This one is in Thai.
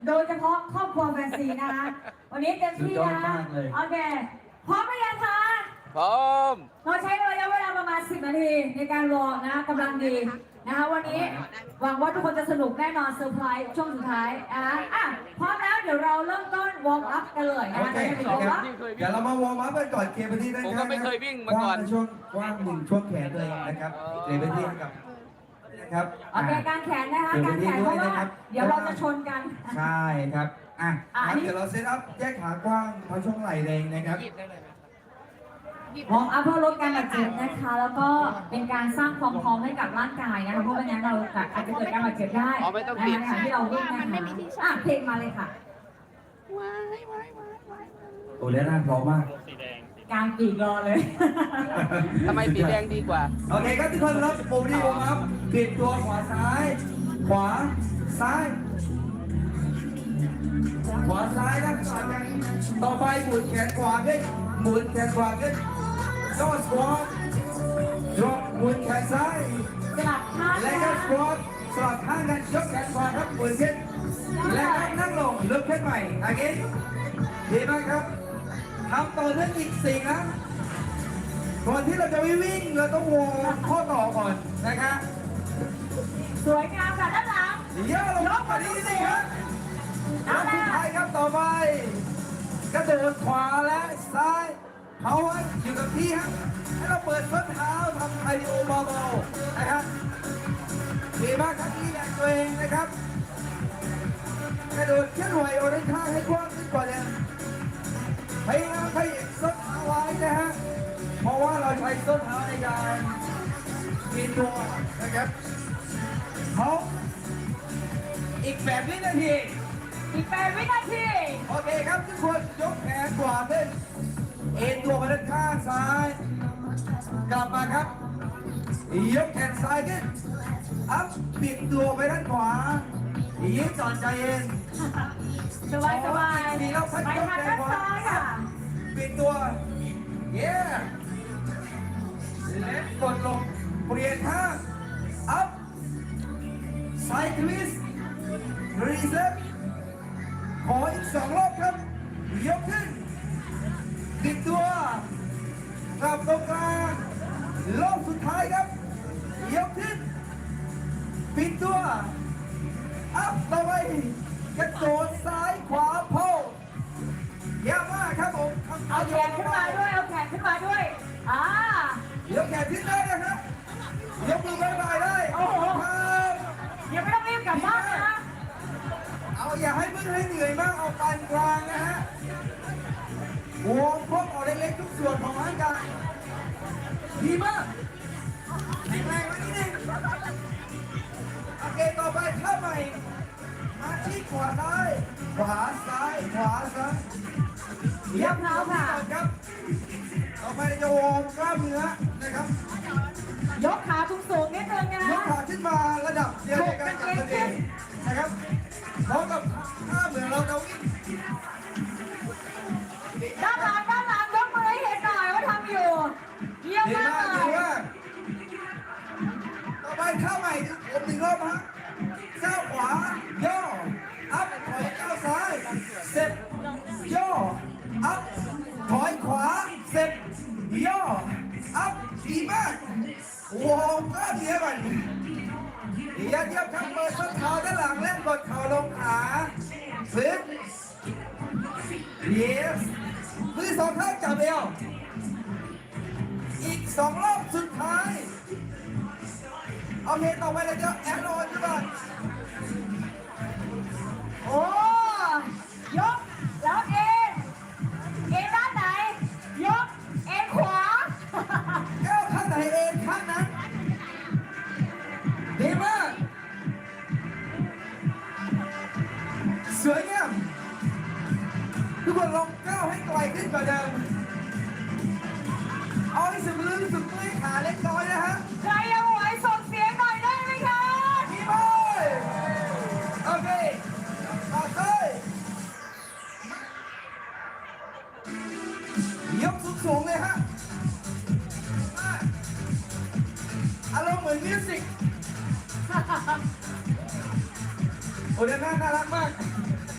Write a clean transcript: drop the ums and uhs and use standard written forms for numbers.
โดยเฉพาะครอบครัวแฟนซีนะคะวันนี้เต็มที่นะโอเคพร้อมไหมยังคะพร้อมเราใช้ระยะเวลาประมาณ10 นาทีในการวอร์มนะกำลังดีนะคะวันนี้หวังว่าทุกคนจะสนุกแน่นอนเซอร์ไพรส์ช่วงสุดท้ายพร้อมแล้วเดี๋ยวเราเริ่มต้นวอร์มอัพกันเลยนะโอคะเคจะเป็นวอร์มอัพเดี๋ยวเรามาวอร์มอัพกันก่อนเคลียร์พื้นที่ด้านผมข้างก็ไม่เคยวิ่งมาก่อนช่วงว่างหนึ่งช่วงแขนตัวเองนะครับเคลียร์พื้นที่ให้กับนะครับโอเคการแขนนะคะการแขนเพราะว่าเดี๋ยวเราจะชนกันใช่ครับครับอันนี้เดี๋ยวเราเซตอัพแยกขากว้างพอช่วงไหล่แรงนะครับวอร์มอัพเพื่อลดการบาดเจ็บนะคะ แล้วก็เป็นการสร้างความพร้อมให้กับร่างกายนะคะเพราะไม่งั้นเราอาจจะเกิดการบาดเจ็บได้อ๋อไม่ต้องในปิดขณะที่เราวิ่งนะคะเพลงมาเลยค่ะโอ้แล้วน่าพร้อมมากกลางปีกรอเลยทำไมสีแดงดีกว่าโอเคครับทุกคนครับปุ่มที่วอร์มอัพปิดตัวขวาซ้าย ขวาซ้าย ขวาซ้ายนะต่อไปหมุนแขนขวาขึ้นหมุนแขนขวาขึ้นก็สควอตดรอปหมุนแขนซ้ายสลับท่าและก็สควอตสลับข้างกันยกแขนขวาครับหมุนขึ้นและก็นั่งลงลุกขึ้นใหม่โอเคดีมากครับทำต่อเนื่องอีก4 ครั้งก่อนที่เราจะวิ่งเราต้องวอร์มข้อต่อก่อนนะครับสวยงามค่ะด้านหลังเดี๋ยวเราลงมาดีสิครับเอาสุละดท้ายครับต่อไปกระโดดขวาและซ้ายเขาไว้อยู่กับที่ครับให้เราเปิดส้นเท้าทำคาร์ดิโอเบาๆนะครับดีมากครับที่แรงตัวเองนะครับกระโดดเคลื่อนไหวออกด้านข้างให้กว้างขึ้นกว่าเดิมพยายามขยับส้นเท้าไว้นะฮะเพราะว่าเราใช้ส้นเท้าในการปีนตัวนะครับเขาอีก8 วินาทีอีก8 วินาทีโอเคครับทุกคนยกแขนขวาขึ้นเอ็นตัวมาด้านข้างซ้าย กลับมาครับยกแขนซ้ายขึ้นอัพปิดตัวไปด้านขวายืดจอนใจเย็นสบายสบายมีเราพัดไปยกทางแขนด้านขวาซ้ายค่ะปิดตัวเย้และกดลงเปลี่ยนท่าอัพไซด์ทวิสต์รีเซ็ตขออีก2 รอบครับยกขึ้นติดตัวกลับตรงกลางรอบสุดท้ายครับยกขึ้นปิดตัวอัพต่อไปกระโดดซ้ายขวาโพยากมากครับผมเอาแขนขึ้นมาด้วยเอาแขนขึ้นมาด้วยอ่ายกแขนขึ้นได้นะครับยกมือบ๊ายบายได้โอ้โหครับยังไม่ต้องรีบกลับบ้านนะเอาอย่าให้มึนให้เหนื่อยมากเอาปานกลางนะฮะวอร์มพวกออกเล็กๆทุกส่วนของร่างกายดีมากแข็งแรงไว้นิดนึงโอเคต่อไปท่าใหม่มาที่ขวาซ้ายขวาซ้ายขวาซ้ายเรียบเท้าค่ะครับต่อไปเราจะวอร์มกล้ามเนื้อนะครับยกขาสูงๆนิดนึงนะยกขาขึ้นมาระดับเดียวกันกับตัวเองนะครับพร้อมกับท่าเหมือนเราจะวิ่งด้านหลังยกมือให้เห็นหน่อยว่าทำอยู่เยี่ยมดีมามากเลดียมากต่อไปท่าใหม่ผม1 รอบฮะก้าวขวาย่ออัพถอยก้าวซ้ายเสร็จย่ออัพถอยขวาเสร็จย่ออัพดีมากวอร์มกล้ามเนื้อก่อนอย่าเทียบครับเปิดส้นเท้าด้านหลังเล่นกดเข่าลงขาฟื้น yes มือ2 ข้างจับเอวอีก2 รอบสุดท้ายโอเคต่อไปเราจะแอนโอนใช่ป่ะโอ้ยกแล้วเอ็นด้านไหนยกเอ็นขวาแก้วข้างไหนเองข้างนั้นดีมากสวยงามทุกคนลองก้าวให้ไกลขึ้นกว่าเดิมเอาให้สุดลึกสุดเมื่อยขาเล็กน้อยนะฮะใครยังไหวส่งเสียงหน่อยได้ไหมคะดีมากโอเคต่อไปยกสูงๆเลยฮะอารมณ์เหมือนมิวสิกโอ้เดี๋ยวน่ารักมาก